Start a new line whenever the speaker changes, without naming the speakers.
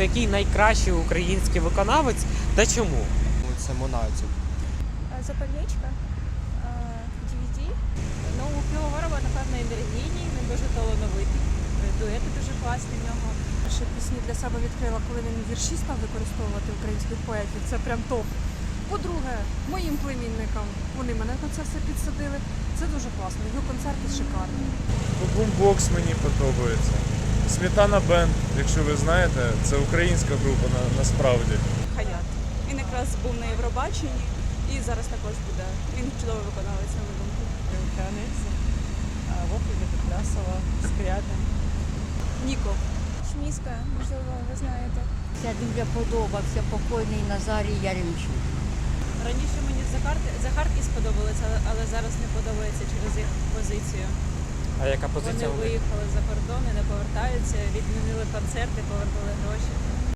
який найкращий український виконавець та чому?
Це Монатік.
Запальничка, DVD. Ну, у Півоварова, напевно, енергійний, він дуже талановитий. Дуети дуже класні в нього.
Ще пісні для себе відкрила, коли він вірші став використовувати українських поетів. Це прям топ. По-друге, моїм племінникам, вони мене на це все підсадили. Це дуже класно. Його концерти шикарні.
Бумбокс мені подобається. Сметана Бенд, якщо ви знаєте, це українська група насправді.
Хаят. Він якраз був на Євробаченні і зараз також буде. Він чудовий виконавець, на мою думку.
Криниця, Вовка Петлясова, Скрябін.
Ніко.
Шміска, можливо, ви знаєте.
Ця дуже подобався покойний Назарій Яремчук.
Раніше мені Захарки сподобалися, але зараз не подобається через їх позицію.
А яка позиція?
Вони виїхали за кордон і не повертаються, відмінили концерти, повернули гроші.